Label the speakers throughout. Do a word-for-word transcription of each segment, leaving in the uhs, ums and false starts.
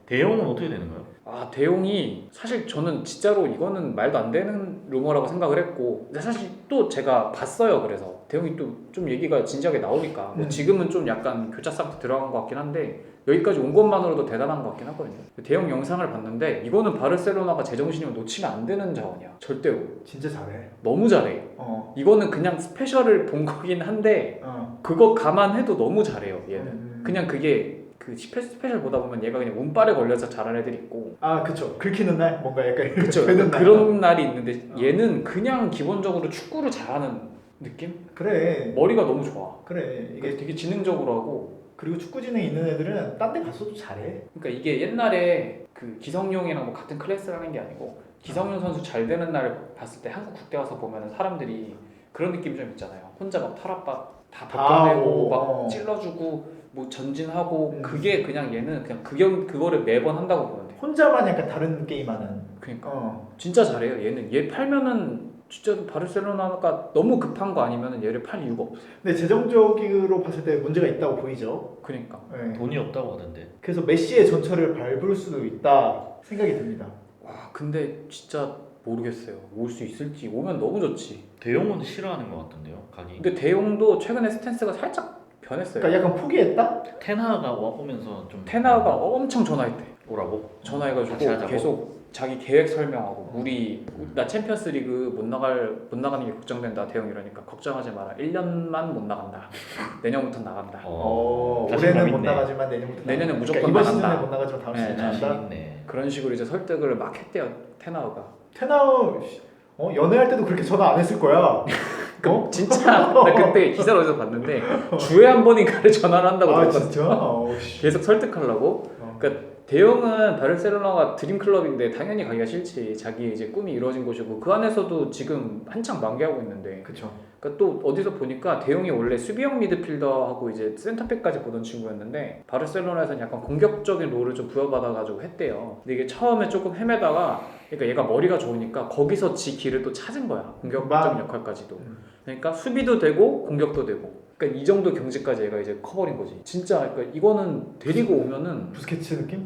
Speaker 1: 대용은 어떻게 되는 거예요?
Speaker 2: 아 대용이 사실 저는 진짜로 이거는 말도 안 되는 루머라고 생각을 했고 근데 사실 또 제가 봤어요. 그래서 대용이 또 좀 얘기가 진지하게 나오니까 뭐
Speaker 3: 음.
Speaker 2: 지금은 좀 약간 교차 상태 들어간 것 같긴 한데 여기까지 온 것만으로도 대단한 것 같긴 하거든요. 대용 영상을 봤는데 이거는 바르셀로나가 제정신이면 놓치면 안 되는 자원이야. 절대로.
Speaker 3: 진짜 잘해.
Speaker 2: 너무 잘해.
Speaker 3: 어.
Speaker 2: 이거는 그냥 스페셜을 본 거긴 한데
Speaker 3: 어.
Speaker 2: 그거 감안해도 너무 잘해요. 얘는.
Speaker 3: 음.
Speaker 2: 그냥 그게 그 스페- 스페셜 보다 보면 얘가 그냥 운빨에 걸려서 잘하는 애들 있고
Speaker 3: 아 그쵸. 긁히는 날 뭔가 약간
Speaker 2: 그쵸
Speaker 3: 되는 날.
Speaker 2: 그런 날이 있는데
Speaker 3: 어.
Speaker 2: 얘는 그냥 기본적으로 축구를 잘하는 느낌?
Speaker 3: 그래.
Speaker 2: 머리가 너무 좋아.
Speaker 3: 그래.
Speaker 2: 이게
Speaker 3: 이게
Speaker 2: 되게 지능적으로 하고
Speaker 3: 그리고 축구 지능 있는 애들은 딴 데 갔어도 잘해.
Speaker 2: 그러니까 이게 옛날에 그 기성용이랑 뭐 같은 클래스라는 게 아니고 기성용 선수 잘 되는 날을 봤을 때 한국 국대 와서 보면 사람들이 그런 느낌 좀 있잖아요. 혼자 막 탈압박 다 벗겨내고 막
Speaker 3: 어.
Speaker 2: 찔러주고 뭐 전진하고
Speaker 3: 음.
Speaker 2: 그게 그냥 얘는 그냥 그경 그거를 매번 한다고 보면 돼.
Speaker 3: 혼자만 약간 다른 게임하는.
Speaker 2: 그러니까
Speaker 3: 어.
Speaker 2: 진짜 잘해요. 얘는 얘 팔면은 진짜 바르셀로나가 너무 급한 거 아니면은 얘를 팔 이유가 없어.
Speaker 3: 근데 재정적으로 봤을 때 문제가 있다고 보이죠.
Speaker 2: 그러니까
Speaker 3: 네.
Speaker 1: 돈이 없다고 하던데.
Speaker 3: 그래서 메시의 전철을 밟을 수도 있다 생각이 듭니다.
Speaker 2: 와 근데 진짜 모르겠어요. 올 수 있을지 오면 너무 좋지.
Speaker 1: 대용은 싫어하는 것 같은데요, 가기.
Speaker 2: 근데 대용도 최근에 스탠스가 살짝 변했어요.
Speaker 3: 그러니까 약간 포기했다?
Speaker 1: 테나가 와 오면서 좀
Speaker 2: 테나가 엄청 전화했대.
Speaker 1: 오라고.
Speaker 2: 전화해가지고
Speaker 1: 같이 하자고?
Speaker 2: 계속 자기 계획 설명하고 우리 나 챔피언스리그 못 나갈 못 나가는 게 걱정된다 대용 이러니까 걱정하지 마라. 일 년만 못 나간다. 내년부터 나간다.
Speaker 3: 어,
Speaker 1: 자신감
Speaker 3: 올해는 못
Speaker 1: 있네.
Speaker 3: 나가지만 내년부터
Speaker 2: 내년에
Speaker 3: 나간다.
Speaker 2: 무조건
Speaker 3: 그러니까 이번
Speaker 2: 나간다.
Speaker 3: 시즌에 못 나가지만 다음
Speaker 2: 네,
Speaker 3: 시즌에
Speaker 1: 자신
Speaker 3: 나간다.
Speaker 1: 있네.
Speaker 2: 그런 식으로 이제 설득을 막 했대요 테나우가.
Speaker 3: 테나우 어, 연애할 때도 그렇게 전화 안 했을 거야. 어?
Speaker 2: 진짜 나 그때 기사를 어디서 봤는데 주에 한 번인가를 전화를 한다고
Speaker 3: 아
Speaker 2: 들었거든.
Speaker 3: 진짜? 어, 씨.
Speaker 2: 계속 설득하려고.
Speaker 3: 어.
Speaker 2: 그러니까 대용은 바르셀로나가 드림 클럽인데 당연히 가기가 싫지. 자기 이제 꿈이 이루어진 곳이고 그 안에서도 지금 한창 만개하고 있는데.
Speaker 3: 그쵸.
Speaker 2: 그러니까 또 어디서 보니까 대용이 원래 수비형 미드필더하고 이제 센터백까지 보던 친구였는데 바르셀로나에서는 약간 공격적인 롤을 좀 부여받아가지고 했대요. 근데 이게 처음에 조금 헤매다가 그러니까 얘가 머리가 좋으니까 거기서 지 길을 또 찾은 거야. 공격적인
Speaker 3: 막-
Speaker 2: 역할까지도.
Speaker 3: 음.
Speaker 2: 그러니까 수비도 되고 공격도 되고. 그러니까 이 정도 경지까지 얘가 이제 커버린 거지. 진짜 그러니까 이거는 데리고 오면은
Speaker 3: 부스케츠 느낌?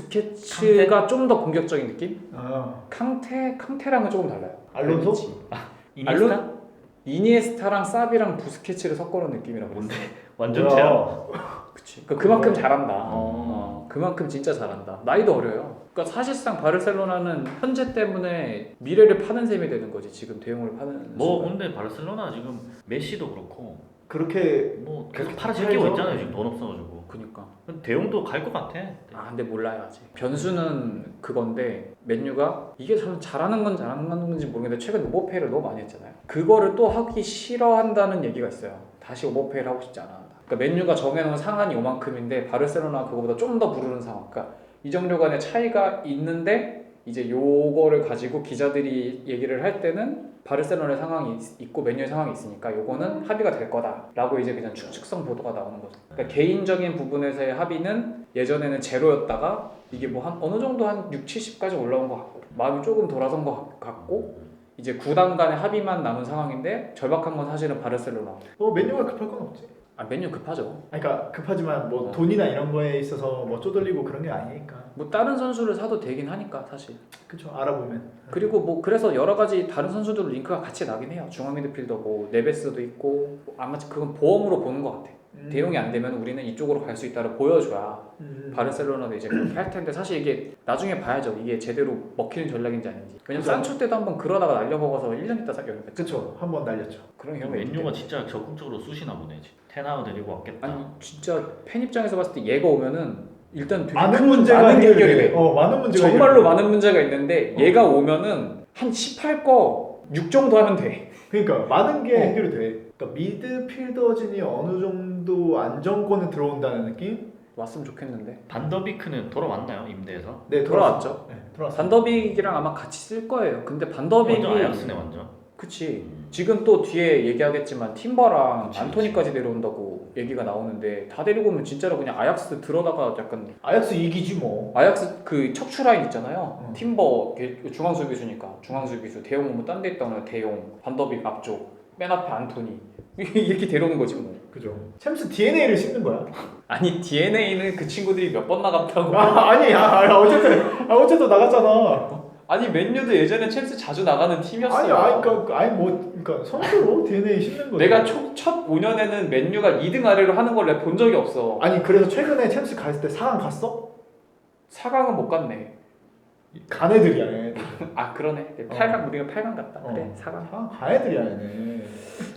Speaker 2: 부스케츠가 좀 더 공격적인 느낌?
Speaker 3: 아.
Speaker 2: 캉테 캉테랑은 조금 달라요.
Speaker 3: 알론소?
Speaker 2: 알겠지?
Speaker 1: 이니스타?
Speaker 2: 알론- 이니에스타랑 사비랑 부스케츠를 섞어놓은 느낌이라고 그랬어.
Speaker 1: 뭔데? 완전 제야.
Speaker 3: 뭐야.
Speaker 2: 그치. 그러니까 그만큼
Speaker 3: 어.
Speaker 2: 잘한다.
Speaker 1: 어.
Speaker 2: 어, 그만큼 진짜 잘한다. 나이도 어려요. 그러니까 사실상 바르셀로나는 현재 때문에 미래를 파는 셈이 되는 거지. 지금 대용을 파는.
Speaker 1: 뭐
Speaker 2: 순간.
Speaker 1: 근데 바르셀로나 지금 메시도 그렇고
Speaker 3: 그렇게
Speaker 1: 뭐 계속
Speaker 3: 그렇게
Speaker 1: 팔아제끼고
Speaker 3: 팔죠.
Speaker 1: 있잖아요 지금 돈 없어가지고.
Speaker 2: 그니까.
Speaker 1: 근데 대용도 갈 것 같아.
Speaker 2: 아 근데 몰라요 아직. 변수는 그건데 맨유가 이게 참 잘하는 건 잘하는 건지 모르겠는데 최근 오버페이를 너무 많이 했잖아요. 그거를 또 하기 싫어한다는 얘기가 있어요. 다시 오버페이를 하고 싶지 않아. 그러니까 맨유가 정해놓은 상한이 요만큼인데 바르셀로나 그거보다 좀 더 부르는 상황. 그러니까 이정료 간의 차이가 있는데 이제 요거를 가지고 기자들이 얘기를 할 때는 바르셀로나의 상황이 있- 있고 맨유의 상황이 있으니까 요거는 합의가 될 거다라고 이제 그냥 추측성 보도가 나오는 거죠. 그러니까 개인적인 부분에서의 합의는 예전에는 제로였다가 이게 뭐 한 어느 정도 한 육, 칠십까지 올라온 것 같고 마음이 조금 돌아선 것 같고 이제 구단 간의 합의만 남은 상황인데 절박한 건 사실은 바르셀로나.
Speaker 3: 뭐 맨유가 급할 건 없지.
Speaker 2: 아 맨유 급하죠.
Speaker 3: 아니, 그러니까 급하지만 뭐
Speaker 2: 어.
Speaker 3: 돈이나 이런 거에 있어서 뭐 쪼들리고 그런 게 아니니까.
Speaker 2: 뭐 다른 선수를 사도 되긴 하니까 사실.
Speaker 3: 그쵸. 알아보면.
Speaker 2: 그리고 뭐 그래서 여러 가지 다른 선수들 링크가 같이 나긴 해요. 중앙 미드필더 뭐 네베스도 있고 아마 그건 보험으로 보는 것 같아.
Speaker 3: 음.
Speaker 2: 대용이 안 되면 우리는 이쪽으로 갈 수 있다를 보여줘야
Speaker 3: 음.
Speaker 2: 바르셀로나도 이제 그렇게 할 텐데 사실 이게 나중에 봐야죠. 이게 제대로 먹히는 전략인지 아닌지. 왜냐면
Speaker 3: 그죠.
Speaker 2: 산초 때도 한번 그러다가 날려먹어서 일 년 있다 사 영입했죠.
Speaker 3: 그쵸. 한 번 날렸죠.
Speaker 2: 그런
Speaker 1: 이
Speaker 2: 경우가 있기
Speaker 1: 맨유가
Speaker 2: 때문에.
Speaker 1: 진짜 적극적으로 쑤시나 보네. 지금. 테나우 데리고 왔겠다.
Speaker 2: 아니 진짜 팬 입장에서 봤을 때 얘가 오면은 일단 되게
Speaker 3: 많은
Speaker 2: 큰
Speaker 3: 문제가
Speaker 2: 많은
Speaker 3: 해결이
Speaker 2: 해결이
Speaker 3: 돼.
Speaker 2: 돼.
Speaker 3: 어, 많은 문제가
Speaker 2: 정말로
Speaker 3: 해결이 돼.
Speaker 2: 많은 문제가 있는데
Speaker 3: 어.
Speaker 2: 얘가 오면은 한 십팔 거 육 정도 하면 돼.
Speaker 3: 그러니까 많은 게
Speaker 2: 어.
Speaker 3: 해결이 돼. 그러니까 미드필더진이 어느 정도 안정권에 들어온다는 느낌?
Speaker 2: 왔으면 좋겠는데.
Speaker 1: 반더비크는 돌아왔나요 임대에서?
Speaker 3: 네,
Speaker 2: 돌아왔죠.
Speaker 3: 네, 돌아왔어.
Speaker 2: 반더빅이랑 아마 같이 쓸 거예요. 근데
Speaker 1: 완전
Speaker 2: 반더빅이
Speaker 1: 아약스네 완전.
Speaker 2: 그치.
Speaker 1: 음.
Speaker 2: 지금 또 뒤에 얘기하겠지만 팀버랑
Speaker 1: 그치,
Speaker 2: 안토니까지 내려온다고 얘기가 나오는데 다 데리고 오면 진짜로 그냥 아약스 들어다가 약간
Speaker 3: 아약스 이기지 뭐.
Speaker 2: 아약스 그 척추 라인 있잖아요.
Speaker 3: 어.
Speaker 2: 팀버 걔 중앙 수비수니까 중앙 수비수 대용 오면 딴 데 있다 오면 대용 반더빅 앞쪽 맨 앞에 안토니 이렇게 데려오는 거지 뭐.
Speaker 3: 그죠. 챔스 디엔에이를 씹는 거야.
Speaker 2: 아니 디엔에이는 그 친구들이 몇 번 나갔다고.
Speaker 3: 아, 아니, 아, 아, 어쨌든, 아, 어쨌든 나갔잖아.
Speaker 2: 아니 맨유도 예전에 챔스 자주 나가는 팀이었어요.
Speaker 3: 아니, 아니, 그러니까, 아니 뭐, 그러니까 선수로 디엔에이 씹는 거지.
Speaker 2: 내가 초, 첫 오 년에는 맨유가 이 등 아래로 하는 걸 내가 본 적이 없어.
Speaker 3: 아니 그래서 최근에 챔스 갔을 때 사 강 갔어?
Speaker 2: 사 강은 못 갔네.
Speaker 3: 간 애들이야, 얘네들.
Speaker 2: 아 그러네. 팔 강 우리가 팔 강 갔다. 그래
Speaker 3: 어.
Speaker 2: 사 강.
Speaker 3: 사 강 간 애들이야, 얘네.